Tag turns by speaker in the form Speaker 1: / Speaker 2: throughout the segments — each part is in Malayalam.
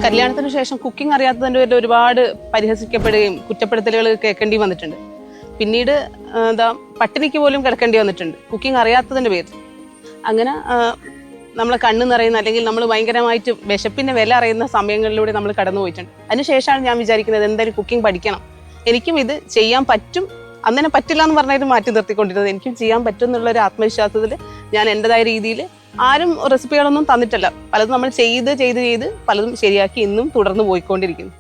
Speaker 1: കല്യാണത്തിന് ശേഷം കുക്കിംഗ് അറിയാത്തതിന്റെ പേരിൽ ഒരുപാട് പരിഹസിക്കപ്പെടുകയും കുറ്റപ്പെടുത്തലുകൾ കേൾക്കേണ്ടി വന്നിട്ടുണ്ട്. പിന്നീട് പട്ടിണിക്ക് പോലും കിടക്കേണ്ടി വന്നിട്ടുണ്ട് കുക്കിംഗ് അറിയാത്തതിന്റെ പേരിൽ. അങ്ങനെ നമ്മളെ കണ്ണ് നിറയുന്ന അല്ലെങ്കിൽ നമ്മൾ ഭയങ്കരമായിട്ട് വിശപ്പിന്റെ വില അറിയുന്ന സമയങ്ങളിലൂടെ നമ്മൾ കടന്നു പോയിട്ടുണ്ട്. അതിനുശേഷമാണ് ഞാൻ വിചാരിക്കുന്നത് എന്തായാലും കുക്കിംഗ് പഠിക്കണം, എനിക്കും ഇത് ചെയ്യാൻ പറ്റും. അന്നെ പറ്റില്ല എന്ന് പറഞ്ഞാൽ മാറ്റി നിർത്തിക്കൊണ്ടിരുന്നത് എനിക്കും ചെയ്യാൻ പറ്റും എന്നുള്ള ഒരു ആത്മവിശ്വാസത്തിൽ ഞാൻ എൻ്റെതായ രീതിയിൽ ആരും റെസിപ്പികളൊന്നും തന്നിട്ടല്ല, പലതും നമ്മൾ ചെയ്ത് പലതും ശരിയാക്കി ഇന്നും തുടർന്ന് പോയിക്കൊണ്ടിരിക്കുന്നു.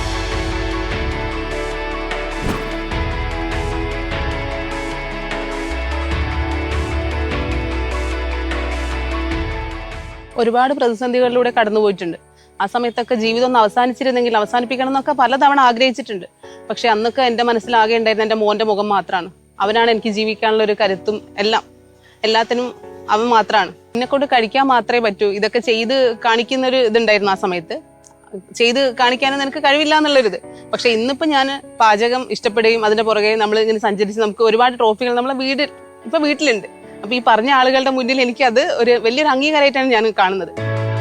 Speaker 1: ഒരുപാട് പ്രതിസന്ധികളിലൂടെ കടന്നു പോയിട്ടുണ്ട്. ആ സമയത്തൊക്കെ ജീവിതം ഒന്ന് അവസാനിച്ചിരുന്നെങ്കിൽ അവസാനിപ്പിക്കണം എന്നൊക്കെ പലതവണ ആഗ്രഹിച്ചിട്ടുണ്ട്. പക്ഷെ അന്നൊക്കെ എൻ്റെ മനസ്സിലാകെ ഉണ്ടായിരുന്ന എൻ്റെ മോൻ്റെ മുഖം മാത്രമാണ്. അവനാണ് എനിക്ക് ജീവിക്കാനുള്ള ഒരു കരുത്തും എല്ലാത്തിനും അവൻ മാത്രമാണ്. എന്നെക്കൊണ്ട് കഴിക്കാൻ മാത്രമേ പറ്റൂ. ഇതൊക്കെ ചെയ്ത് കാണിക്കുന്നൊരു ഇതുണ്ടായിരുന്നു ആ സമയത്ത്. ചെയ്ത് കാണിക്കാനും നിനക്ക് കഴിവില്ല എന്നുള്ളൊരിത്. പക്ഷെ ഇന്നിപ്പോ ഞാൻ പാചകം ഇഷ്ടപ്പെടുകയും അതിന്റെ പുറകെ നമ്മൾ ഇങ്ങനെ സഞ്ചരിച്ച് നമുക്ക് ഒരുപാട് ട്രോഫികൾ നമ്മളെ വീട്ടിലുണ്ട്. അപ്പൊ ഈ പറഞ്ഞ ആളുകളുടെ മുന്നിൽ എനിക്ക് അത് ഒരു വലിയൊരു അംഗീകാരമായിട്ടാണ് ഞാൻ കാണുന്നത്.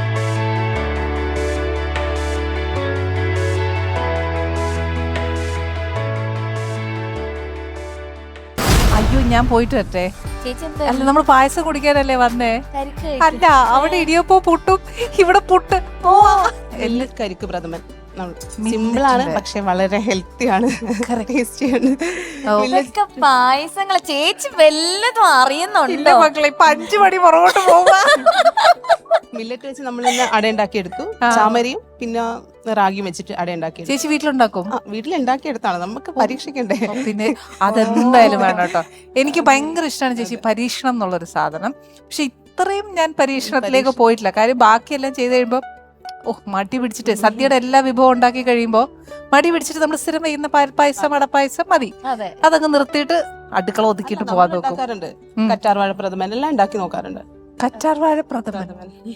Speaker 2: അയ്യോ, ഞാൻ പോയിട്ട് വരട്ടെ. അല്ല, നമ്മൾ പായസം കുടിക്കാനല്ലേ വന്നേ? അല്ല, അവിടെ ഇടിയപ്പോ പുട്ടും ഇവിടെ പുട്ട്.
Speaker 1: കരിക്ക് പ്രഥമൻ സിമ്പിളാണ്, പക്ഷെ വളരെ ഹെൽത്തിയാണ്, ടേസ്റ്റിയാണ്.
Speaker 3: പായസങ്ങളെ ചേച്ചി വല്ലതും അറിയുന്നുണ്ടോ
Speaker 2: മക്കളെ? 5 മണി പുറകോട്ട് പോവാ.
Speaker 1: മില്ലറ്റ് വെച്ച് നമ്മൾ അട ഉണ്ടാക്കിയെടുത്തു. ചാമരിയും പിന്നെ റാഗിയും വെച്ചിട്ട് അട ഉണ്ടാക്കി.
Speaker 2: ചേച്ചി വീട്ടിലുണ്ടാക്കും?
Speaker 1: വീട്ടിലുണ്ടാക്കിയെടുത്താണ്, നമുക്ക് പരീക്ഷിക്കണ്ടേ?
Speaker 2: പിന്നെ അതെന്തായാലും വേണം കേട്ടോ. എനിക്ക് ഭയങ്കര ഇഷ്ടമാണ് ചേച്ചി പരീക്ഷണം എന്നുള്ളൊരു സാധനം. പക്ഷെ ഇത്രയും ഞാൻ പരീക്ഷണത്തിലേക്ക് പോയിട്ടില്ല. കാര്യം ബാക്കിയെല്ലാം ചെയ്ത് കഴിയുമ്പോ മടി പിടിച്ചിട്ട് സദ്യയുടെ എല്ലാ വിഭവം ഉണ്ടാക്കി കഴിയുമ്പോ മടി പിടിച്ചിട്ട് നമ്മൾ സ്ഥിരം ചെയ്യുന്ന പാൽപ്പായസം അടപ്പായസം മതി, അതങ്ങ് നിർത്തിയിട്ട് അടുക്കള ഒതുക്കിയിട്ട് പോവാൻ നോക്കാറുണ്ട്.
Speaker 1: കറ്റാർവാഴ പ്രഥമൻ എല്ലാം ഉണ്ടാക്കി നോക്കാറുണ്ട്.
Speaker 2: കറ്റാർവാഴ പ്രഥമൻ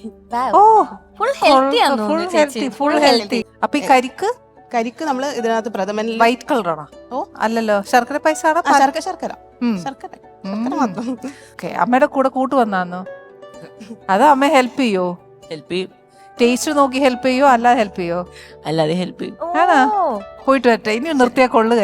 Speaker 2: ഫുൾ ഹെൽത്തി. അപ്പൊ ഈ കരിക്ക് നമ്മള് ഇതിനകത്ത് പ്രഥമൻ വൈറ്റ് കളറാണോ? അല്ലല്ലോ, ശർക്കര പായസാണോ?
Speaker 1: ശർക്കര മാത്രം.
Speaker 2: അമ്മയുടെ കൂടെ കൂട്ട് വന്നാന്നോ? അതോ അമ്മ ഹെൽപ്പ് ചെയ്യോ?
Speaker 4: ഹെൽപ്പ് ചെയ്യും.
Speaker 2: ടേസ്റ്റ് നോക്കി ഹെൽപ്പ് ചെയ്യോ അല്ലാതെ ഹെൽപ്പ് ചെയ്യോ?
Speaker 4: അല്ലാതെ ഹെൽപ്പ് ചെയ്യും.
Speaker 2: ആണോ? പോയിട്ട് വരട്ടെ. ഇനി നിർത്തിയാ കൊള്ളുക.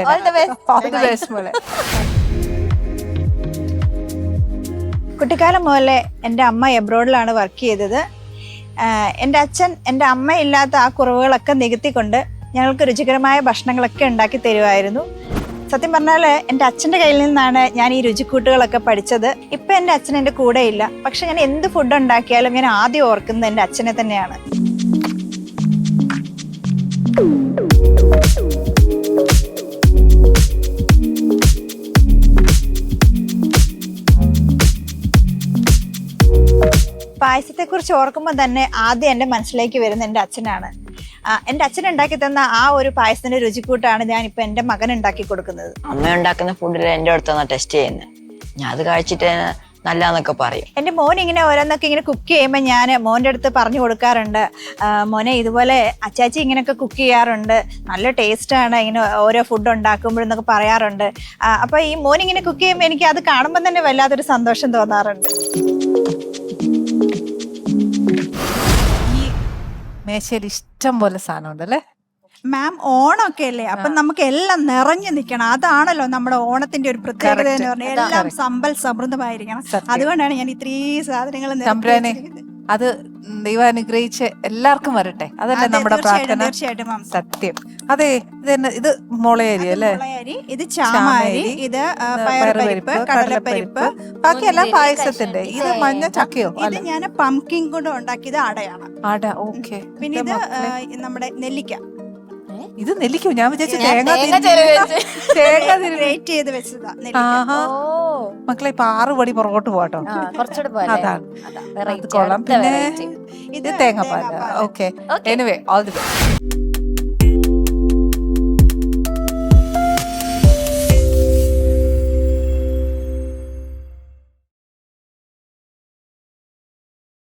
Speaker 5: കുട്ടിക്കാലം മുതലേ എൻ്റെ അമ്മ എബ്രോഡിലാണ് വർക്ക് ചെയ്തത്. എൻ്റെ അച്ഛൻ എൻ്റെ അമ്മ ഇല്ലാത്ത ആ കുറവുകളൊക്കെ നികത്തിക്കൊണ്ട് ഞങ്ങൾക്ക് രുചികരമായ ഭക്ഷണങ്ങളൊക്കെ ഉണ്ടാക്കി തരുമായിരുന്നു. സത്യം പറഞ്ഞാൽ എൻ്റെ അച്ഛൻ്റെ കയ്യിൽ നിന്നാണ് ഞാൻ ഈ രുചിക്കൂട്ടുകളൊക്കെ പഠിച്ചത്. ഇപ്പം എൻ്റെ അച്ഛൻ എൻ്റെ കൂടെ ഇല്ല, പക്ഷെ ഞാൻ എന്ത് ഫുഡ് ഉണ്ടാക്കിയാലും ഞാൻ ആദ്യം ഓർക്കുന്നത് എൻ്റെ അച്ഛനെ തന്നെയാണ്. പായസത്തെക്കുറിച്ച് ഓർക്കുമ്പോൾ തന്നെ ആദ്യം എൻ്റെ മനസ്സിലേക്ക് വരുന്ന എൻ്റെ അച്ഛനാണ്. എൻ്റെ അച്ഛൻ ഉണ്ടാക്കി തന്ന ആ ഒരു പായസത്തിന്റെ രുചിക്കൂട്ടാണ് ഞാൻ ഇപ്പൊ എൻ്റെ മകൻ ഉണ്ടാക്കി കൊടുക്കുന്നത്.
Speaker 4: അമ്മ ഉണ്ടാക്കുന്ന ഫുഡിൽ എൻ്റെ അടുത്താണ് ടെസ്റ്റ് ചെയ്യുന്നത്. ഞാൻ അത് കഴിച്ചിട്ട് നല്ലതെന്നൊക്കെ പറയും.
Speaker 5: എൻ്റെ മോൻ ഇങ്ങനെ ഓരോന്നൊക്കെ ഇങ്ങനെ കുക്ക് ചെയ്യുമ്പോൾ ഞാൻ മോൻ്റെ അടുത്ത് പറഞ്ഞു കൊടുക്കാറുണ്ട്, മോനെ ഇതുപോലെ അച്ചാച്ചി ഇങ്ങനെയൊക്കെ കുക്ക് ചെയ്യാറുണ്ട്, നല്ല ടേസ്റ്റാണ് ഇങ്ങനെ ഓരോ ഫുഡ് ഉണ്ടാക്കുമ്പോഴെന്നൊക്കെ പറയാറുണ്ട്. അപ്പോൾ ഈ മോൻ ഇങ്ങനെ കുക്ക് ചെയ്യുമ്പോൾ എനിക്ക് അത് കാണുമ്പോൾ തന്നെ വല്ലാത്തൊരു സന്തോഷം തോന്നാറുണ്ട്.
Speaker 2: മേശയിൽ ഇഷ്ടം പോലെ സാധനം ഉണ്ടല്ലേ
Speaker 6: മാം? ഓണമൊക്കെ അല്ലേ, അപ്പൊ നമുക്ക് എല്ലാം നിറഞ്ഞു നിൽക്കണം. അതാണല്ലോ നമ്മുടെ ഓണത്തിന്റെ ഒരു പ്രത്യേകത എന്ന് പറഞ്ഞാൽ എല്ലാം സമ്പൽ സമൃദ്ധമായിരിക്കണം. അതുകൊണ്ടാണ് ഞാൻ ഇത്രയും സാധനങ്ങൾ
Speaker 2: അത് ദൈവം അനുഗ്രഹിച്ച് എല്ലാവർക്കും വരട്ടെ. അതല്ലേ നമ്മുടെ പ്രാർത്ഥന.
Speaker 6: തീർച്ചയായിട്ടും മാം.
Speaker 2: സത്യം. അതെ, ഇത് മുളയരി അല്ലേ?
Speaker 6: ഇത് ചാമാരി, ഇത് പയറുപരിപ്പ്, കടലപ്പരിപ്പ്,
Speaker 2: ബാക്കിയെല്ലാം പായസത്തിന്റെ. ഇത് മഞ്ഞ ചക്കയോ?
Speaker 6: ഇത് ഞാൻ പംകിൻ കൊണ്ട് ഉണ്ടാക്കിയത് അടയാണ്.
Speaker 2: അട, ഓക്കെ.
Speaker 6: പിന്നെ ഇത് നമ്മുടെ നെല്ലിക്ക.
Speaker 2: ഇത് നെല്ലിക്കോ? ഞാൻ വിചാരിച്ചു തേങ്ങ
Speaker 6: വെയിറ്റ് ചെയ്ത് വെച്ചതാ.
Speaker 2: മക്കളെ ഇപ്പൊ 6 പടി പുറകോട്ട് പോട്ടോ. അതാണ് കൊള്ളാം. പിന്നെ ഇത് തേങ്ങാപ്പാല. Okay, anyway all the best.